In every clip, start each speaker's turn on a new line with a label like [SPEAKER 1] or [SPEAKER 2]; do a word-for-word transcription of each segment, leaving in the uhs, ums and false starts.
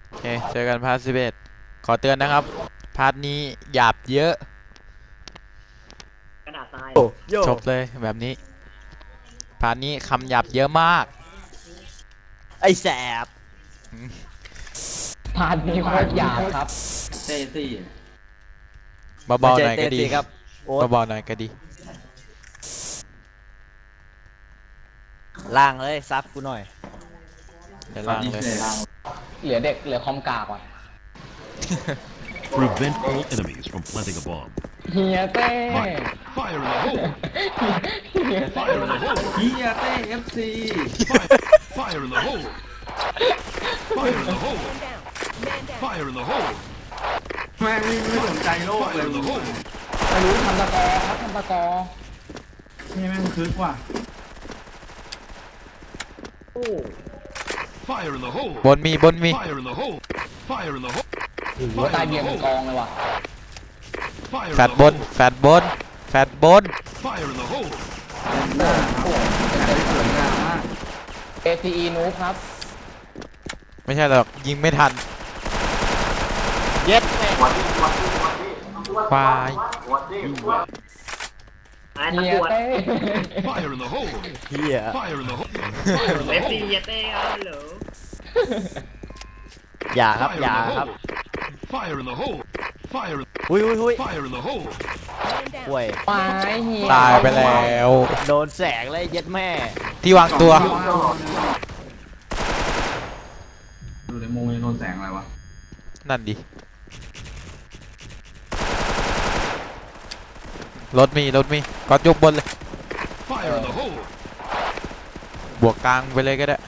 [SPEAKER 1] โอเคเจอกันพาร์ทสิบเอ็ดขอเตือนนะครับพาร์ทนี้หยาบเยอะ
[SPEAKER 2] กระดาษทราย
[SPEAKER 3] โยโย
[SPEAKER 1] จบเลยแบบนี้พาร์ทนี้คำหยาบเยอะมาก
[SPEAKER 3] ไอ้แสบ
[SPEAKER 4] พาร์ทนี้โคตรหยาบครับ
[SPEAKER 5] เต้ซี่
[SPEAKER 1] เบาๆหน่อยก็ดี
[SPEAKER 3] เจเต้สิครับโอ๊ต
[SPEAKER 1] เบาๆหน่อยก็ดี
[SPEAKER 3] ล่างเลยซับกูหน่อย
[SPEAKER 1] เดี๋ยวล่างเลย
[SPEAKER 4] เหลือเด็กเหลือคอมกากว่ะ
[SPEAKER 6] Prevent all enemies from planting a bomb.
[SPEAKER 4] เฮียเต้
[SPEAKER 6] Fire in the hole!
[SPEAKER 4] เฮียเต้
[SPEAKER 6] Fire in the hole!
[SPEAKER 5] เฮียเต้เอฟซี
[SPEAKER 6] Fire, fire in the hole! Fire in the hole! Fire in the hole!
[SPEAKER 5] แม่งไม่สนใจโลกเล
[SPEAKER 6] Fire
[SPEAKER 5] ย
[SPEAKER 6] in the hole!
[SPEAKER 4] ไม่รู้ทำตะกอครับทำตะกอ
[SPEAKER 5] นี่แม่งคึกว่ะ
[SPEAKER 6] Fire in the hole!
[SPEAKER 1] บนมีบนมี
[SPEAKER 6] Fire in the hole! Fire in the hole!
[SPEAKER 4] หัวตายเบียร์เป็นกองเลยว่ะ
[SPEAKER 6] Fire
[SPEAKER 1] แฟ
[SPEAKER 6] in
[SPEAKER 1] ด
[SPEAKER 6] the
[SPEAKER 1] บน
[SPEAKER 6] hole!
[SPEAKER 1] แฟดบนแฟดบน
[SPEAKER 6] Fire in the hole!
[SPEAKER 5] หน้าครับสวยงามมาก
[SPEAKER 4] เอ ซี อี นูบครับ
[SPEAKER 1] ไม่ใช่หรอกยิงไม่ทัน
[SPEAKER 3] เย็ดแม่
[SPEAKER 1] ควาย
[SPEAKER 2] ไอ้
[SPEAKER 4] เฮีย
[SPEAKER 2] ตำรวจ
[SPEAKER 4] เต้
[SPEAKER 6] Fire in the hole!
[SPEAKER 3] เฮีย
[SPEAKER 6] Fire in the hole!
[SPEAKER 2] เอฟซีเยเต้ครับเหรอ
[SPEAKER 3] อย่าครับ
[SPEAKER 6] Fire
[SPEAKER 3] อย่า
[SPEAKER 6] in the
[SPEAKER 3] ครับ
[SPEAKER 6] hole! Fire in the hole! Fire,
[SPEAKER 3] หุยหุยหุย
[SPEAKER 6] fire in the hole!
[SPEAKER 3] ห่วย
[SPEAKER 4] ตายเฮีย
[SPEAKER 1] ตายไปแล้ว
[SPEAKER 3] โดนแสงเลยเย็ดแม่
[SPEAKER 1] ที่วางตัว
[SPEAKER 5] ดูในมุมโดนแสงอะไรวะ
[SPEAKER 1] นั่นดิรถมีรถมีก็ยกบนเลย
[SPEAKER 6] Fire in the hole!
[SPEAKER 1] บวกกลางไปเลยก็ได้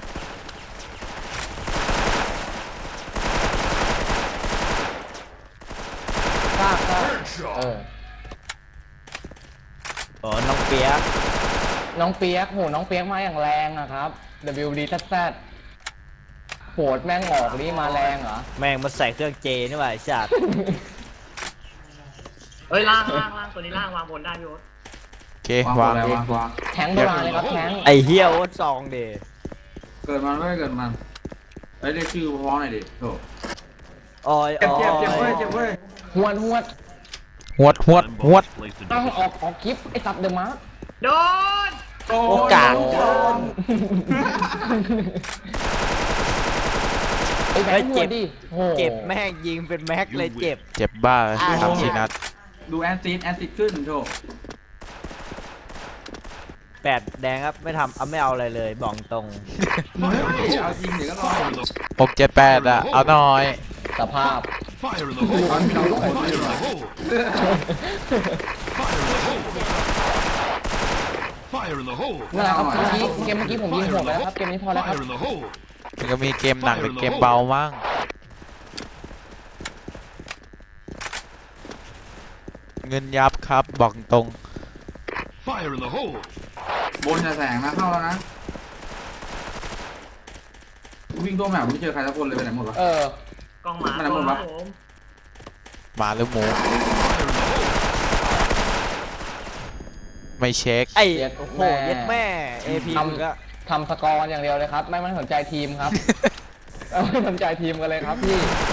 [SPEAKER 4] ซากซากเออ
[SPEAKER 3] อ๋อน้องเปียก
[SPEAKER 4] น้องเปียกโหน้องเปียกมาอย่างแรงอะครับ ดับเบิลยู ดี แซด แซด โหดแม่งออกนี่มาแรงเหรอ
[SPEAKER 3] แม่งมาใส่เครื่องเจนี่หว่าไอ้สัตว์
[SPEAKER 2] เฮ้ยล่างล่างล่างตัวนี้ล่างวางบนได้พี่โอ๊ต
[SPEAKER 1] โอเควาง
[SPEAKER 5] แล้ว
[SPEAKER 1] เอง
[SPEAKER 5] วางวาง
[SPEAKER 4] แทงโบราณเลยครับแทง
[SPEAKER 3] ไอ้เฮียโอ๊ตซองเด
[SPEAKER 5] เกิดมันไม่เกิดมันเฮ้ยเรียกชื่อพร้อมหน่อยดิโถ
[SPEAKER 3] ออย
[SPEAKER 5] เจ็บ
[SPEAKER 3] อ
[SPEAKER 5] เจ็บเจ็บ
[SPEAKER 3] อ
[SPEAKER 5] เว้ย
[SPEAKER 3] ย
[SPEAKER 5] เจ็บเว้ย
[SPEAKER 4] หวดหวด
[SPEAKER 1] หวดหวด
[SPEAKER 6] Time
[SPEAKER 1] หว
[SPEAKER 6] bomb
[SPEAKER 1] ด
[SPEAKER 6] is placed in
[SPEAKER 4] เอาออก
[SPEAKER 6] position.
[SPEAKER 4] ออกคลิปไอ้สัตว์เดอะมาร์
[SPEAKER 2] โดน
[SPEAKER 5] โอ้
[SPEAKER 3] โอกาส
[SPEAKER 5] โดน
[SPEAKER 4] ไอ้แบงค์หัวดิโห
[SPEAKER 3] เจ็บแม่งยิงเป็นแม็กเลยเจ็บ
[SPEAKER 1] เจ็บบ้าเลย
[SPEAKER 3] อ่า
[SPEAKER 1] ทำสี่นัด
[SPEAKER 5] ดูแอนซิดแอนซิดขึ้นโถ
[SPEAKER 3] แปดแดงครับไม่ทำเอาไม่เอาอะไรเลยบอกตรง
[SPEAKER 5] เฮ้ยเอาจริงเดี๋ยวก็รอ
[SPEAKER 6] Fire in the
[SPEAKER 1] หกเจ็ดแปดอะเอาหน่อย
[SPEAKER 4] สภาพ
[SPEAKER 6] fire in the hole! Fire in the hole! Fire in the hole! Fire in the hole!
[SPEAKER 4] นั่นแหละครับเมื่อกี้เกมเมื่อกี้ผมยิงโหดไปแล้วครับ เกมนี้พอแล้วครับ
[SPEAKER 6] Fire in the hole!
[SPEAKER 1] มันก็มีเกมหนักหรือเกมเบามั่งเงินยับครับบอกตรง
[SPEAKER 6] Fire in the hole!
[SPEAKER 5] บนจะแสงนะเข้าแล้วนะวิ่งตัวแมวไม่เจอใครสักคนเลยไปไหนหมดวะ
[SPEAKER 4] เออ
[SPEAKER 2] กล้องหมา
[SPEAKER 5] มันอะไรหมดวะ
[SPEAKER 2] ครับผม
[SPEAKER 1] หมาหรือหมู
[SPEAKER 6] Fire in the hole!
[SPEAKER 1] ไม่เช็ค
[SPEAKER 3] ไอ้
[SPEAKER 4] เย็ด
[SPEAKER 3] โอ้โห
[SPEAKER 4] แม่
[SPEAKER 3] เย็ดแม่เอพีมึงก็
[SPEAKER 4] ทำสกอร์อย่างเดียวเลยครับ ไม่ไม่สนใจทีมครับ ไม่สนใจทีมกันเลยครับพี่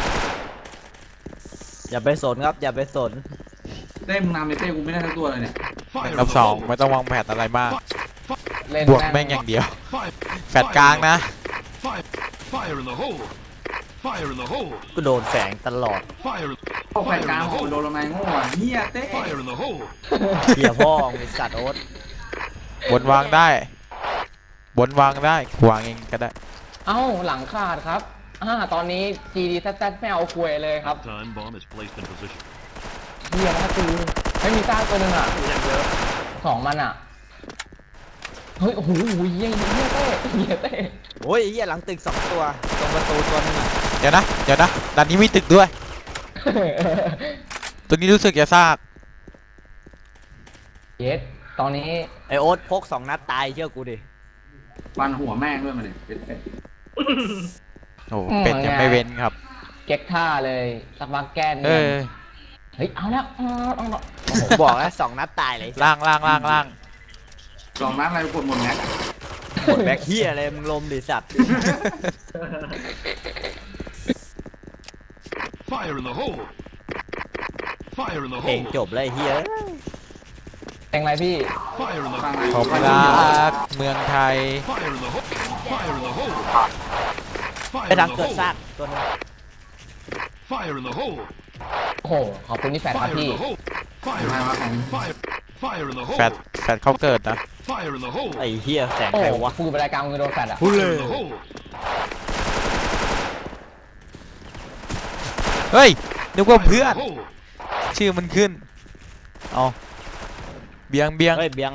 [SPEAKER 3] อย่าไปสนครับอย่าไปสน
[SPEAKER 5] เต้มึงนำในเต้กูไม่ได้ทั้งตัวเลยเนี่ย
[SPEAKER 6] Fire in
[SPEAKER 1] กับ
[SPEAKER 6] the
[SPEAKER 1] สอง
[SPEAKER 6] hole!
[SPEAKER 1] ไม่ต้องวางแผนอะไรมาก
[SPEAKER 4] เล่น
[SPEAKER 1] บวกแม่งอย่างเดียว
[SPEAKER 6] Fire!
[SPEAKER 1] แฟดกลางนะ
[SPEAKER 6] Fire! Fire in the hole! Fire in the hole!
[SPEAKER 3] กูโดนแสงตลอด
[SPEAKER 6] Fire!
[SPEAKER 5] โอ้แฟนกลางโอ้โดนลงมาโง่อ่ะเฮียเต้
[SPEAKER 6] Fire in the hole!
[SPEAKER 3] เหี้ยพ่อมึงเป็นสัตว์โอ๊ต
[SPEAKER 1] บนวางได้ บนวางได้วางเองก็ได้
[SPEAKER 4] เอ้าหลังขาดครับอ่าตอนนี้ จี ดี แซด แซด ไม่เอาคุยเลยครับ
[SPEAKER 6] Time bomb is placed in position.
[SPEAKER 4] เฮียนะคือไม่มีซากตัวหนึ่งอ่ะ
[SPEAKER 2] อย่างเยอะ
[SPEAKER 4] สองมันอ่ะ เฮ้ย โอ้โหเฮียเฮียเต้เฮียเต้
[SPEAKER 3] โอ้ยไอ้เหี้ยหลังตึกสองตัวตรงประตูตัวนึงอะ
[SPEAKER 1] เดี๋ยวนะ เดี๋ยวนะด้านนี้มีตึกด้วย ตัวนี้รู้สึกจะซาก
[SPEAKER 4] เย็ดตอนนี้
[SPEAKER 3] ไอโอ๊ตพกสองนัดตายเชื่อกูดิ
[SPEAKER 5] ฟันหัวแม่งด้วยมันเนี่ยเป็ดเป็ด
[SPEAKER 1] โอ้โหเป็ดยังไม่เว้นครับ
[SPEAKER 4] เก๊กท่าเลยสักพักแก้น
[SPEAKER 1] เออ
[SPEAKER 4] เฮ้ย เอาแล้วเอาแล้วเอาแล้ว
[SPEAKER 3] ผมบอกแล้วสองนัดตายเลย
[SPEAKER 1] ล่างล่างล่างล่าง
[SPEAKER 5] สองนัดอะไรกดหมดแม็กอะ
[SPEAKER 3] หมดแบ็คเฮียอะไรมึงลมดิสัตว์
[SPEAKER 6] Fire in the hole! Fire in the
[SPEAKER 3] เพลง
[SPEAKER 6] hole!
[SPEAKER 3] จบแล้วไอ้เฮีย
[SPEAKER 4] แทงอะไรพี่
[SPEAKER 6] Fire in the
[SPEAKER 5] ฟัง
[SPEAKER 6] hole!
[SPEAKER 1] ผม
[SPEAKER 5] ฟัง
[SPEAKER 1] รักเมืองไทย
[SPEAKER 6] Fire in the hole! Fire in the hole!
[SPEAKER 3] ไป
[SPEAKER 6] Fire in
[SPEAKER 3] ทาง
[SPEAKER 6] the
[SPEAKER 3] เกิด
[SPEAKER 6] hole!
[SPEAKER 3] ซากตัวนึง
[SPEAKER 6] Fire in the hole!
[SPEAKER 4] โอ้โหขอบคุณที่แฟนครับ
[SPEAKER 6] Fire in
[SPEAKER 4] พี่
[SPEAKER 6] the hole! Fire!
[SPEAKER 5] มาว่าแข่ง
[SPEAKER 6] Fire! Fire in the
[SPEAKER 1] แฟด
[SPEAKER 6] hole!
[SPEAKER 1] แฟดเขาเกิดนะ
[SPEAKER 6] Fire in the hole!
[SPEAKER 3] ไอ้เฮียแสง
[SPEAKER 4] โอ้
[SPEAKER 3] ใคร
[SPEAKER 4] โห
[SPEAKER 3] วะ
[SPEAKER 4] พูดไปรายการมึงโดนแฟดอ่ะ
[SPEAKER 6] Fire in the hole!
[SPEAKER 1] เฮ้ยนึกว่า
[SPEAKER 6] Fire
[SPEAKER 1] เพื่อ
[SPEAKER 6] in
[SPEAKER 1] น
[SPEAKER 6] the hole!
[SPEAKER 1] ชื่อมันขึ้นเอาเบียงเบียง
[SPEAKER 3] เฮ้ยเบียง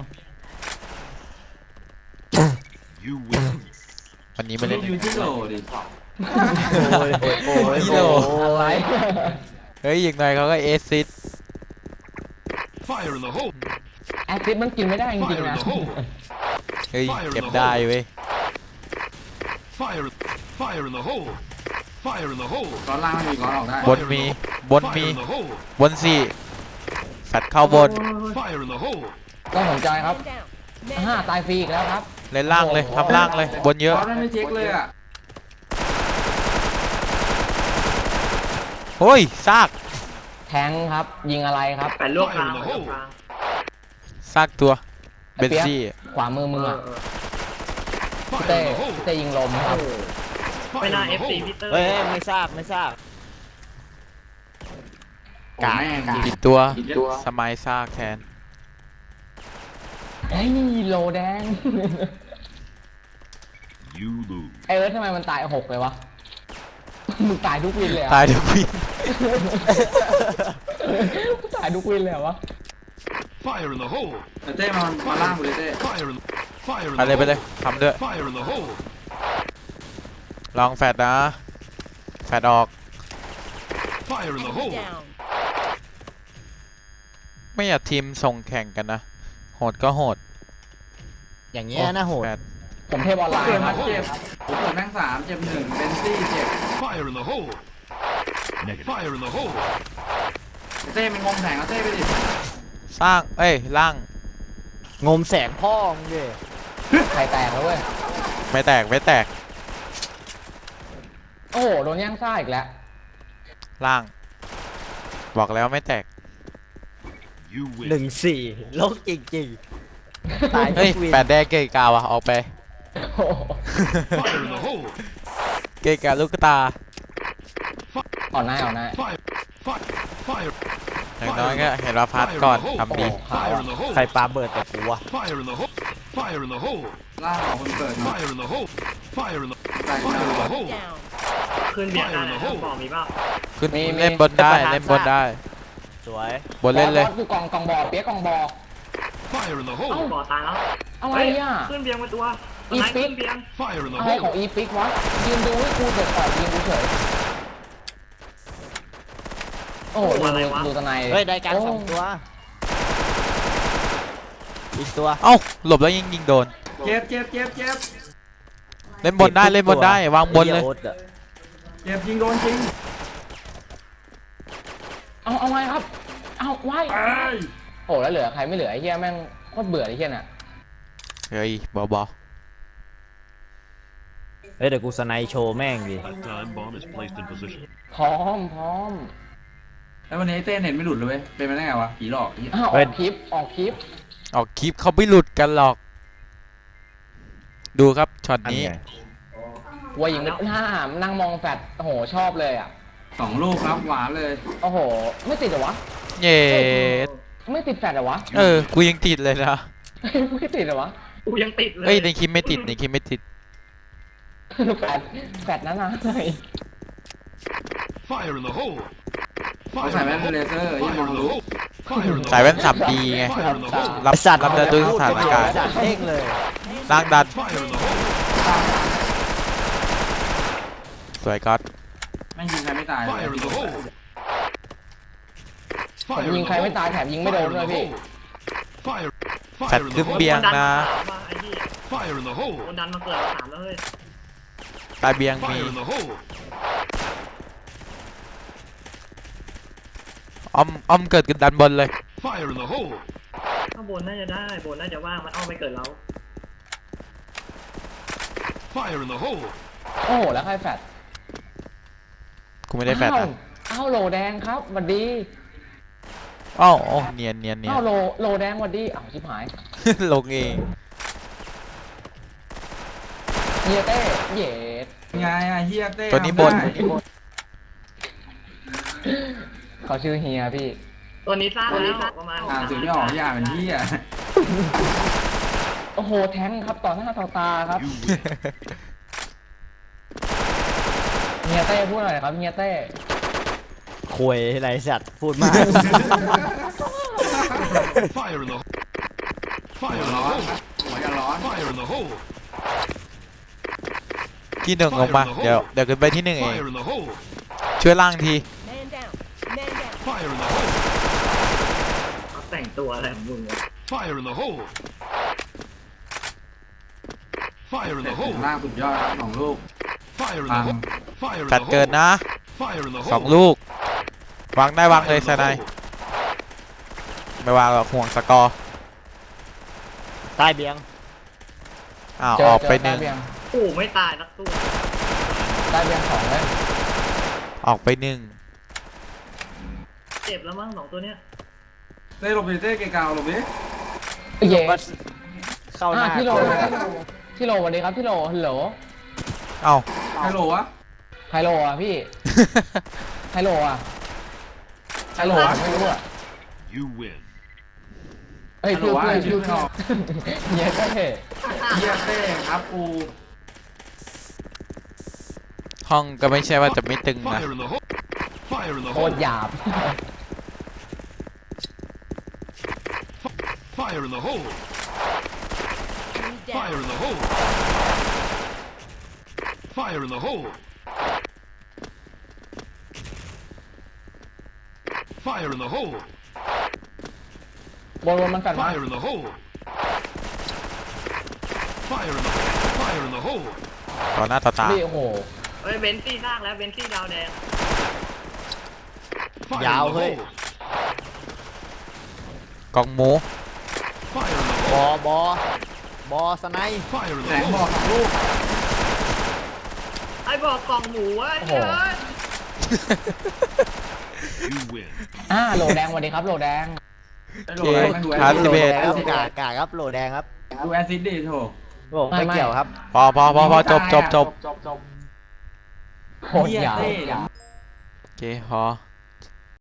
[SPEAKER 6] You win.
[SPEAKER 1] วันนี้
[SPEAKER 5] มั
[SPEAKER 1] มาน เล่น
[SPEAKER 5] อยู่ที่โหลดิ
[SPEAKER 3] โอ้ยโอ้ยโอ้ย
[SPEAKER 1] พี่โล
[SPEAKER 4] อะไร
[SPEAKER 1] เฮ้ยอีกหน่อยเขาก็เอซิส
[SPEAKER 6] Fire in the hole!
[SPEAKER 4] แอสซิดมันกินไม่ได้จริง
[SPEAKER 6] Fire
[SPEAKER 4] ๆ
[SPEAKER 6] in
[SPEAKER 4] นะ
[SPEAKER 6] the hole!
[SPEAKER 1] เฮ้ยเก็บได้เว้ย
[SPEAKER 6] Fire! Fire in the hole! Fire in the hole!
[SPEAKER 5] ก้อนล่างไม่มีก้อนออกได้
[SPEAKER 1] บนมีบนมี
[SPEAKER 6] Fire in the hole!
[SPEAKER 1] บนสี่แฟดเข้าบน
[SPEAKER 6] Fire in the hole!
[SPEAKER 4] ต้องสนใจครับห้าตายฟรีอีกแล้วครับ
[SPEAKER 1] เล่นล่างเลยทำล่างเลย บนเยอะ
[SPEAKER 5] ก้อนไม่เช็คเลยอ่ะ
[SPEAKER 1] โอ้ยซาก
[SPEAKER 4] แทงครับ ยิงอะไรครับ
[SPEAKER 2] แปดลวกกลางแปดลวกกลาง
[SPEAKER 1] ซากตัวเบ
[SPEAKER 4] ไอ้
[SPEAKER 1] น
[SPEAKER 4] เปี๊ยก
[SPEAKER 1] ซี่
[SPEAKER 4] ขวามือมึง
[SPEAKER 2] เอ
[SPEAKER 4] อ่ะ
[SPEAKER 2] อเออ
[SPEAKER 4] พี่
[SPEAKER 6] Fire
[SPEAKER 4] เต้
[SPEAKER 6] in the
[SPEAKER 4] พี่
[SPEAKER 6] hole!
[SPEAKER 4] เต้ยิงลมครับ
[SPEAKER 2] ไม่
[SPEAKER 6] Fire
[SPEAKER 2] น่า
[SPEAKER 6] in
[SPEAKER 2] เอ
[SPEAKER 6] the
[SPEAKER 2] ฟซี
[SPEAKER 6] hole!
[SPEAKER 2] พีเตอร์
[SPEAKER 3] เฮ้ยไม่ทราบไม่ทราบ
[SPEAKER 5] โอ้แม่ง
[SPEAKER 3] กาก
[SPEAKER 1] ผิดตัว
[SPEAKER 5] ผิดตัว
[SPEAKER 1] สมัยซากแทน
[SPEAKER 4] ไอ้ยโลแดง
[SPEAKER 6] You lose.
[SPEAKER 4] ไอ้เอิร์ธทำไมมันตายหกเลยวะ มึงตายทุกวินเลยเหร
[SPEAKER 1] ตา
[SPEAKER 4] อ่ะ
[SPEAKER 1] ยทุกวิ
[SPEAKER 4] ตายทุกวินเลยเหรอวะ
[SPEAKER 6] Fire in the hole!
[SPEAKER 5] เต้มามาล่างกูเลยเต้
[SPEAKER 6] Fire in Fire in
[SPEAKER 1] ไป
[SPEAKER 6] the
[SPEAKER 1] เลยไปเลย
[SPEAKER 6] hole!
[SPEAKER 1] ทำด้วย
[SPEAKER 6] Fire in the hole!
[SPEAKER 1] ลองแฟดนะ แฟดออก
[SPEAKER 6] Fire in the hole!
[SPEAKER 1] ไม่อยากทีมส่งแข่งกันนะ โหดก็โหด
[SPEAKER 3] อย่างเงี้ยนะโหด
[SPEAKER 1] แฟด
[SPEAKER 4] ผมเทพออนไล
[SPEAKER 5] เกิ
[SPEAKER 4] น์
[SPEAKER 5] ด
[SPEAKER 4] ค
[SPEAKER 5] มา
[SPEAKER 4] รับ
[SPEAKER 5] เจ็บผมเกิดแม่งสามเจ็บหนึ่งเบนซี่เจ็บ
[SPEAKER 6] Fire in the hole! Fire in the hole!
[SPEAKER 5] เต้มันงงแผงเอาเต้ไปดิ
[SPEAKER 1] สร้าง เอ้ย ล่าง
[SPEAKER 3] งมแสงพ่อมึงดิ
[SPEAKER 4] ใครแตกแล้วเว้ย
[SPEAKER 1] ไม่แตก ไม่แตก
[SPEAKER 4] โอ้โห โดนย่างซ่าอีกแล้ว
[SPEAKER 1] ล่าง บอกแล้วไม่แตก
[SPEAKER 6] You
[SPEAKER 3] หนึ่ง
[SPEAKER 6] win.
[SPEAKER 3] สี่โลกจริงๆตายทุ
[SPEAKER 1] เฮ้ย
[SPEAKER 3] กวิน
[SPEAKER 1] แปดแดงเกยกาวอะออกไป
[SPEAKER 4] โอ้โห
[SPEAKER 6] Fire in the hole!
[SPEAKER 1] เกยกาลูกตา
[SPEAKER 4] อ่อนหน้าอ่อนหน้า
[SPEAKER 6] Fire! Fire! Fire!
[SPEAKER 1] อย่างน้อยก็เห็นว่าพัดก่อนทำดี
[SPEAKER 6] Fire in the hole!
[SPEAKER 3] ใครปาเบิร์ดแต่กูวะ
[SPEAKER 6] Fire in the hole! Fire in the hole!
[SPEAKER 5] ล่างของคนเกิดมา
[SPEAKER 6] Fire in the hole! Fire in the
[SPEAKER 5] ตาย
[SPEAKER 6] Fire in the hole!
[SPEAKER 2] ขึ้นเบียร์ได้นะบอกมีเปล่า
[SPEAKER 1] ขึ้น
[SPEAKER 4] มีมี
[SPEAKER 1] เล่นบนได้
[SPEAKER 3] จะประทาน
[SPEAKER 1] เล่นบนได้
[SPEAKER 3] สวย
[SPEAKER 1] บนเล่นเลย
[SPEAKER 4] บอสกูกองกองบอเปียกกองบอ
[SPEAKER 6] Fire in the
[SPEAKER 2] เอ้า
[SPEAKER 6] hole!
[SPEAKER 2] บ่อตายแล้ว
[SPEAKER 4] อะไร
[SPEAKER 2] เฮ้ย
[SPEAKER 4] อ่ะ
[SPEAKER 2] ขึ้นเบียงมาตัว
[SPEAKER 4] อี
[SPEAKER 2] ไหน
[SPEAKER 4] ปิ๊
[SPEAKER 2] ขึ้
[SPEAKER 4] ก
[SPEAKER 2] นเบียง
[SPEAKER 6] Fire in the
[SPEAKER 4] อะไรของ
[SPEAKER 6] hole!
[SPEAKER 4] อีปิกวะ ยืนดูให้กูเกิดต่อยิงกูเฉย โอ้โหดูดูดูตะไน
[SPEAKER 3] เฮ้ยได้การสองตัว อีกตัว
[SPEAKER 1] เอ้า หลบแล้วยิงยิงโดน
[SPEAKER 5] เจ็บเจ็บเจ็บเจ็บ
[SPEAKER 1] เล่นบนได้ เล่นบนได้ วางบนเลย
[SPEAKER 3] ไอ้หี้โอ๊ตอะ
[SPEAKER 5] เจ็บยิงโดนจริง
[SPEAKER 4] เอาเอาไงครับ เอาไว้
[SPEAKER 5] เอ้ย
[SPEAKER 4] โอ้แล้วเหลือใครไม่เหลือไอ้เหี้ยแม่งโคตรเบื่อไอ้เหี้ยน่ะ
[SPEAKER 1] เฮ้ยบอบอ
[SPEAKER 3] เฮ้ยเดี๋ยวกูสไนโชว์แม่งดิ
[SPEAKER 6] That time bomb is placed in position.
[SPEAKER 4] พร้อมพร้อม
[SPEAKER 5] แล้ววันนี้เต้เน็ตไม่หลุดเลยเว้ยเป็นไปได้ไงวะผีหลอกอี
[SPEAKER 4] อ้าวอ
[SPEAKER 3] เฮ้
[SPEAKER 4] อย กคลิปออกคลิป
[SPEAKER 1] ออกคลิปเขาไม่หลุดกันหรอก ดูครับช็อตนี้
[SPEAKER 4] ว่ายิงไม่หน้านั่งมองแฟดโอ้โหชอบเลยอ่ะ
[SPEAKER 5] สองลูกครับหวานเลย
[SPEAKER 4] โอ้โห ไม่ติดเหรอวะ
[SPEAKER 1] เย้
[SPEAKER 4] ไม่ติดแฟดเหรอวะ
[SPEAKER 1] เออ กูยังติดเลยนะ
[SPEAKER 4] ไม่ติดเหรอวะ
[SPEAKER 2] กูยังติดเลย
[SPEAKER 1] เฮ้ยในคลิปไม่ติดในคลิปไม่ติด
[SPEAKER 4] แฟดแฟดนั้นนะ
[SPEAKER 6] Fire in the hole!
[SPEAKER 5] เขาใส่แว่นเลเซอร์ยังมองรู้
[SPEAKER 6] Fire in the
[SPEAKER 1] ใส่แว่นสับดีไง
[SPEAKER 6] Fire in the hole!
[SPEAKER 1] รับ
[SPEAKER 3] ไอ้สัตว์
[SPEAKER 1] รับได้ด้วยสถานการณ์
[SPEAKER 3] จัดเด้งเลย
[SPEAKER 1] ล่างดัน
[SPEAKER 6] Fire in the hole!
[SPEAKER 1] สวยก๊อต
[SPEAKER 5] ไม่ยิงใครไม่ตายเลย
[SPEAKER 6] Fire in the hole!
[SPEAKER 4] ผมยิงใครไม่ตายแถมยิงไม่โดนด้วยพี่
[SPEAKER 6] Fire!
[SPEAKER 1] แฟด
[SPEAKER 6] Fire in
[SPEAKER 1] ขึ้น
[SPEAKER 6] the hole!
[SPEAKER 1] เบียง
[SPEAKER 2] คนดัน
[SPEAKER 1] นะ
[SPEAKER 2] มาสามว่ะไอ้เหี้ย
[SPEAKER 6] Fire in the hole!
[SPEAKER 2] คนดันมาเกิดมาสามแล้วเฮ้ย
[SPEAKER 1] ตายเบียงมี
[SPEAKER 6] Fire in the hole!
[SPEAKER 1] อ้อมอ้อมเกิดกันดันบนเลย
[SPEAKER 6] Fire in the hole!
[SPEAKER 2] ข้างบนน่าจะได้บนน่าจะว่างมันเอาไปเกิดเรา
[SPEAKER 6] Fire in the hole!
[SPEAKER 4] โอ้โหแล้วใครแฟด
[SPEAKER 1] กูไม่ได้แฟด
[SPEAKER 4] อ้าว
[SPEAKER 1] นะ
[SPEAKER 4] อ้าวโหลแดงครับหวัดดี
[SPEAKER 1] อ้าวโอ้เนียนเนียนเนียน
[SPEAKER 4] อ้าวโหลโหลแดงหวัดดีอ้าวชิบหาย
[SPEAKER 1] ลงเอง
[SPEAKER 4] เฮียเต้เย็ด
[SPEAKER 5] ไงอ่ะเฮียเต้
[SPEAKER 1] ตัวนี้บน
[SPEAKER 5] ทำได้
[SPEAKER 4] เขาชื่อเฮียพี่
[SPEAKER 2] ตัวนี้สร้างแล้วประมาณ
[SPEAKER 5] อ่านถึงไม่ออกอย่าเป็นเฮีย
[SPEAKER 4] โอ้โหแทงครับต่อหน้าต่อตาครับ
[SPEAKER 6] You win.
[SPEAKER 4] เฮียเต้พูดหน่อยครับเฮียเต้
[SPEAKER 3] คุยไรสัตว์พูดมาก
[SPEAKER 6] Fire in the hole.
[SPEAKER 5] หัว
[SPEAKER 6] Fire in the
[SPEAKER 5] ร้อน
[SPEAKER 6] hole.
[SPEAKER 5] หัวอย่าร้อน
[SPEAKER 6] Fire in the hole.
[SPEAKER 1] ที่หนึ่งลงมาเดี๋ยวเดี๋ยวขึ้นไปที่หนึ่งเอง
[SPEAKER 6] Fire in the hole.
[SPEAKER 1] ช่วยล่างที
[SPEAKER 7] Man down. Man down.
[SPEAKER 6] Fire in the hole.
[SPEAKER 2] เขาแต่งตัวอะไรของมึงวะ
[SPEAKER 6] Fire in the hole. Fire in
[SPEAKER 5] เสร็
[SPEAKER 6] the
[SPEAKER 5] จถึง
[SPEAKER 6] hole.
[SPEAKER 5] ล่างสุดยอดครับสองลูก
[SPEAKER 6] Fire in the
[SPEAKER 5] Bang.
[SPEAKER 6] hole. Fire in
[SPEAKER 1] จัด
[SPEAKER 6] the
[SPEAKER 1] เกิน
[SPEAKER 6] hole.
[SPEAKER 1] นะ
[SPEAKER 6] Fire in the
[SPEAKER 1] สอง
[SPEAKER 6] hole.
[SPEAKER 1] ลูก วางได้วางเลย
[SPEAKER 6] Fire in
[SPEAKER 1] ส
[SPEAKER 6] the
[SPEAKER 1] นาย
[SPEAKER 6] hole.
[SPEAKER 1] ไม่วางหรอกห่วงสกอร์
[SPEAKER 3] ใต้เบียง
[SPEAKER 1] อ้าว
[SPEAKER 4] เจ
[SPEAKER 1] อ
[SPEAKER 4] อ
[SPEAKER 1] อก
[SPEAKER 4] เจอ
[SPEAKER 1] ไปห
[SPEAKER 4] ได้
[SPEAKER 1] นึ่ง
[SPEAKER 4] เบียง
[SPEAKER 2] โอ้ไม่ตายนักตัว
[SPEAKER 4] ได้เบียงสองเลย
[SPEAKER 1] ออกไปหนึ่ง
[SPEAKER 2] เจ็บแล้วมั้งสองตัวเนี้ย
[SPEAKER 5] เต้หลบไปเต้เกกาวหลบดิ
[SPEAKER 4] เย้
[SPEAKER 3] เข้าห
[SPEAKER 4] อ่า
[SPEAKER 3] น้า
[SPEAKER 4] ที่โหลที่โหลสวัสดีครับที่โหลฮัลโหล
[SPEAKER 1] เอ้า
[SPEAKER 5] ไฮโหลวะ
[SPEAKER 4] ไฮโลอ่ะพี่ไฮโลอ่ะไฮโลอ่ะไม่รู้อ่ะ
[SPEAKER 6] You win.
[SPEAKER 4] เฮ้ย
[SPEAKER 5] ไฮโหล
[SPEAKER 4] ชื่อ
[SPEAKER 5] วะ
[SPEAKER 4] เพื่อน
[SPEAKER 5] ชื่
[SPEAKER 4] ชื่
[SPEAKER 5] อ
[SPEAKER 4] อ
[SPEAKER 5] ไม่ออก
[SPEAKER 4] เฮียเต้
[SPEAKER 5] เฮียเต้ครับกู
[SPEAKER 1] ห้องก็ไม่ใช่ว่าจะไม่ตึงนะ
[SPEAKER 6] Fire in the hole. Fire in the
[SPEAKER 4] โค
[SPEAKER 6] hole.
[SPEAKER 4] ตรหยาบ
[SPEAKER 6] Fire in the hole.
[SPEAKER 7] Enemy
[SPEAKER 6] Fire
[SPEAKER 7] down.
[SPEAKER 6] in the hole. Fire in the hole. Fire in the hole.
[SPEAKER 4] บนบนมันแฟดมา
[SPEAKER 6] Fire in the hole. Fire in the Fire in the hole.
[SPEAKER 1] ต่อหน้าต่อตา
[SPEAKER 4] พี่โอ้โห
[SPEAKER 2] เฮ้ยเบนซี่สร้างแล้วเบนซี่ดาวแดง
[SPEAKER 6] Fire
[SPEAKER 3] Dạo
[SPEAKER 6] in the
[SPEAKER 3] hơi.
[SPEAKER 6] hole.
[SPEAKER 1] กองหมู
[SPEAKER 6] Fire in the
[SPEAKER 3] บอ
[SPEAKER 6] hole.
[SPEAKER 3] บอบอสไนป์
[SPEAKER 6] Fire in
[SPEAKER 5] แส
[SPEAKER 6] the
[SPEAKER 5] งบอก
[SPEAKER 6] hole.
[SPEAKER 5] สองลูก
[SPEAKER 2] ไอ้บอกกล่องหมูวะ
[SPEAKER 4] โอ้โห
[SPEAKER 2] เฮ้ย
[SPEAKER 6] You win.
[SPEAKER 4] อ่าโหลแดงสวัสดีครับโหลแดง
[SPEAKER 5] ไอ้โหลอะไรมันดูแอ
[SPEAKER 1] ครั
[SPEAKER 5] ส
[SPEAKER 1] บ
[SPEAKER 5] ซิ
[SPEAKER 1] สิ
[SPEAKER 5] ด
[SPEAKER 1] บเอ็ด
[SPEAKER 3] แล้วกากากครับโหลแดงครับ
[SPEAKER 5] ดูแอสซิดดิโถ
[SPEAKER 3] โอ้ไม่เกี่ยวครับ
[SPEAKER 1] พอพอพอพอจบจบจบ
[SPEAKER 5] จบจบ
[SPEAKER 4] โคตรหยาบ
[SPEAKER 5] เฮียเต้
[SPEAKER 1] โอเคพอ